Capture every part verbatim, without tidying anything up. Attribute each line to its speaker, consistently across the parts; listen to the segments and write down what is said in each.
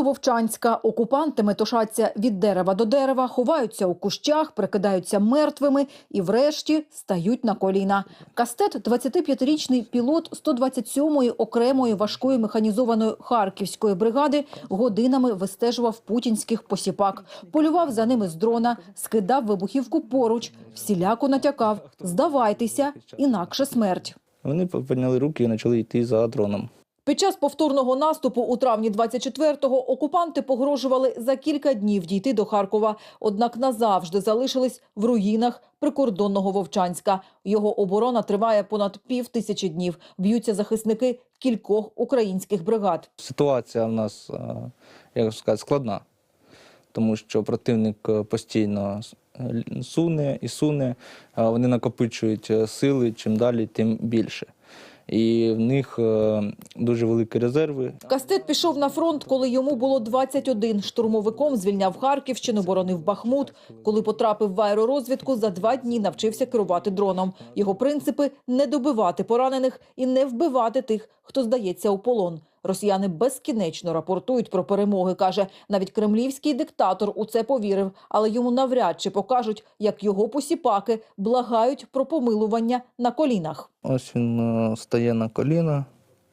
Speaker 1: поблизу Вовчанська. Окупанти метушаться від дерева до дерева, ховаються у кущах, прикидаються мертвими і врешті стають на коліна. Кастет, двадцятип'ятирічний пілот сто двадцять сьомої окремої важкої механізованої Харківської бригади, годинами вистежував путінських посіпак. Полював за ними з дрона, скидав вибухівку поруч, всіляко натякав: «Здавайтеся, інакше смерть».
Speaker 2: Вони підняли руки і почали йти за дроном.
Speaker 1: Під час повторного наступу у травні двадцять четвертого окупанти погрожували за кілька днів дійти до Харкова, однак назавжди залишились в руїнах прикордонного Вовчанська. Його оборона триває понад пів тисячі днів. Б'ються захисники кількох українських бригад.
Speaker 2: Ситуація в нас, як сказати, складна, тому що противник постійно суне і суне, вони накопичують сили, чим далі, тим більше. І в них дуже великі резерви.
Speaker 1: Кастет пішов на фронт, коли йому було двадцять один. Штурмовиком звільняв Харківщину, боронив Бахмут. Коли потрапив в аеророзвідку, за два дні навчився керувати дроном. Його принципи – не добивати поранених і не вбивати тих, хто здається у полон. Росіяни безкінечно рапортують про перемоги, каже. Навіть кремлівський диктатор у це повірив, але йому навряд чи покажуть, як його посіпаки благають про помилування на колінах.
Speaker 2: Ось він стає на коліна,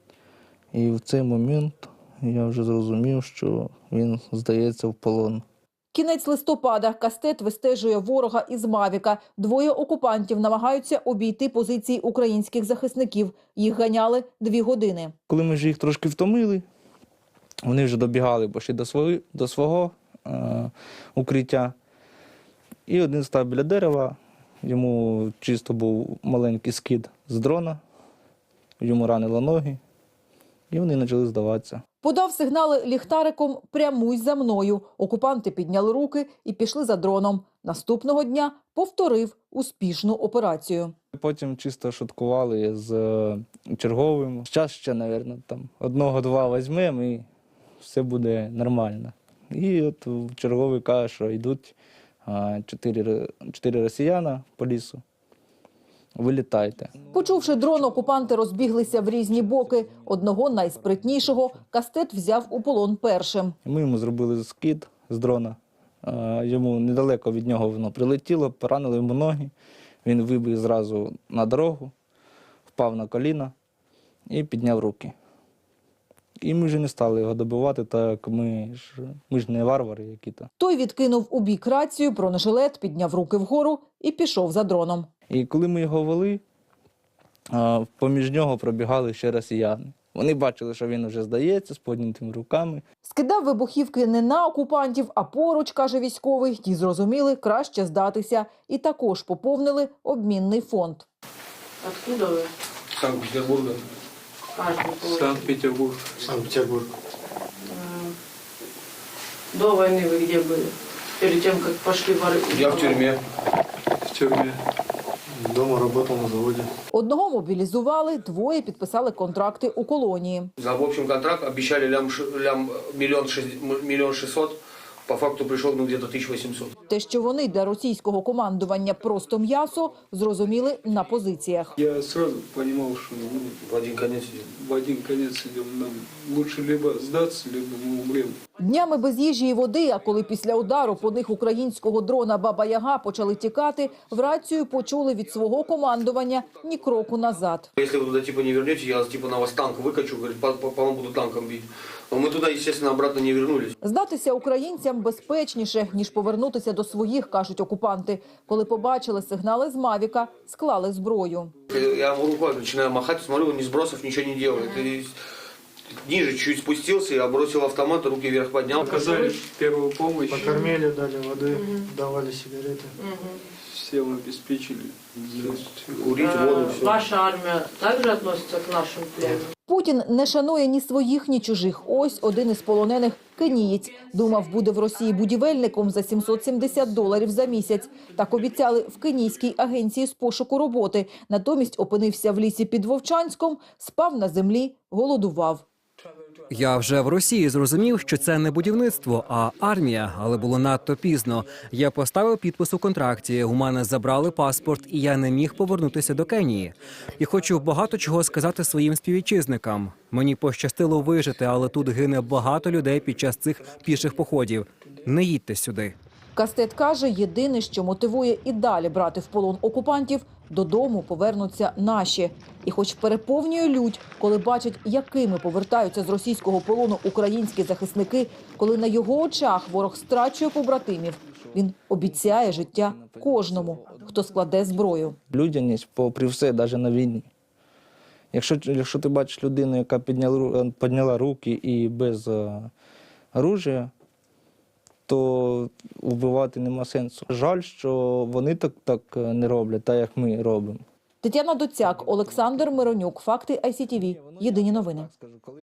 Speaker 2: і в цей момент я вже зрозумів, що він здається в полон.
Speaker 1: Кінець листопада. Кастет вистежує ворога із Мавіка. Двоє окупантів намагаються обійти позиції українських захисників. Їх ганяли дві години.
Speaker 2: Коли ми вже їх трошки втомили, вони вже добігали почти до свого, до свого е, укриття. І один став біля дерева, йому чисто був маленький скид з дрона, йому ранило ноги, і вони почали здаватися.
Speaker 1: Подав сигнали ліхтариком «Прямуй за мною». Окупанти підняли руки і пішли за дроном. Наступного дня повторив успішну операцію.
Speaker 2: Потім чисто шуткували з черговим. Зараз ще, мабуть, там одного-два візьмемо і все буде нормально. І от черговий каже, що йдуть чотири, чотири росіяна по лісу. Вилітайте.
Speaker 1: Почувши дрон, окупанти розбіглися в різні боки. Одного найспритнішого Кастет взяв у полон першим.
Speaker 2: Ми йому зробили скид з дрона. Йому недалеко від нього воно прилетіло, поранило йому ноги. Він вибіг зразу на дорогу, впав на коліна і підняв руки. І ми вже не стали його добивати, так ми ж, ми ж не варвари які-то.
Speaker 1: Той відкинув у бік рацію, бронежилет, підняв руки вгору і пішов за дроном.
Speaker 2: І коли ми його вели, поміж нього пробігали ще росіяни. Вони бачили, що він вже здається з піднятими руками.
Speaker 1: Скидав вибухівки не на окупантів, а поруч, каже військовий. Ті зрозуміли, краще здатися. І також поповнили обмінний фонд.
Speaker 3: Откуда ви?
Speaker 4: Санкт-Петербурга. Санкт-Петербург. Санкт-Петербург.
Speaker 3: До войны вы где были? Перед тем, как пошли воры?
Speaker 4: Я в тюрьме. В тюрьме.
Speaker 5: Дома работал на заводе.
Speaker 1: Одного мобілізували, двоє підписали контракти у колонії.
Speaker 4: За в общем контракт обещали лям, лям миллион, миллион шестьсот. По факту прийшов ну, где-то тисяча вісімсот.
Speaker 1: Те, що вони для російського командування просто м'ясо, зрозуміли на позиціях.
Speaker 6: Я сразу понимал, что ну,
Speaker 4: В один конец идем.
Speaker 6: в один конец идем. Нам лучше либо сдаться, либо мы умрем.
Speaker 1: Днями без їжі і води, а коли після удару по них українського дрона «Баба-Яга» почали тікати, в рацію почули від свого командування ні кроку назад.
Speaker 4: Если вы туда типа не вернете, я типа на вас танк выкачу, говорит, по, по, по вам буду танком бить. Но мы туда, естественно, обратно не вернулись.
Speaker 1: Здатися українцям безпечніше, ніж повернутися до своїх, кажуть окупанти. Коли побачили сигнали з Мавіка, склали зброю.
Speaker 4: Я ему рукой начинаю махать, смотрю, он не сбросов, ничего не делает. И ниже чуть спустился, я бросил автомат, руки вверх поднял.
Speaker 6: Оказали первую помощь.
Speaker 5: Покормили, дали воды, давали сигареты.
Speaker 6: Всем обеспечили.
Speaker 4: Курить, воду, все.
Speaker 3: Ваша армия также относится к нашим пленным?
Speaker 1: Путін не шанує ні своїх, ні чужих. Ось один із полонених – кенієць. Думав, буде в Росії будівельником за сімсот сімдесят доларів за місяць. Так обіцяли в кенійській агенції з пошуку роботи. Натомість опинився в лісі під Вовчанськом, спав на землі, голодував.
Speaker 7: Я вже в Росії зрозумів, що це не будівництво, а армія, але було надто пізно. Я поставив підпис у контракті, у мене забрали паспорт, і я не міг повернутися до Кенії. І хочу багато чого сказати своїм співвітчизникам. Мені пощастило вижити, але тут гине багато людей під час цих піших походів. Не їдьте сюди.
Speaker 1: Кастет каже, єдине, що мотивує і далі брати в полон окупантів – додому повернуться наші. І хоч переповнює лють, коли бачать, якими повертаються з російського полону українські захисники, коли на його очах ворог страчує побратимів, він обіцяє життя кожному, хто складе зброю.
Speaker 2: Людяність, попри все, навіть на війні. Якщо, якщо ти бачиш людину, яка підняла, підняла руки і без е, оружия, то вбивати нема сенсу. Жаль, що вони так, так не роблять, так як ми робимо.
Speaker 1: Тетяна Доцяк, Олександр Миронюк. Факти ай сі ті ві. Єдині новини.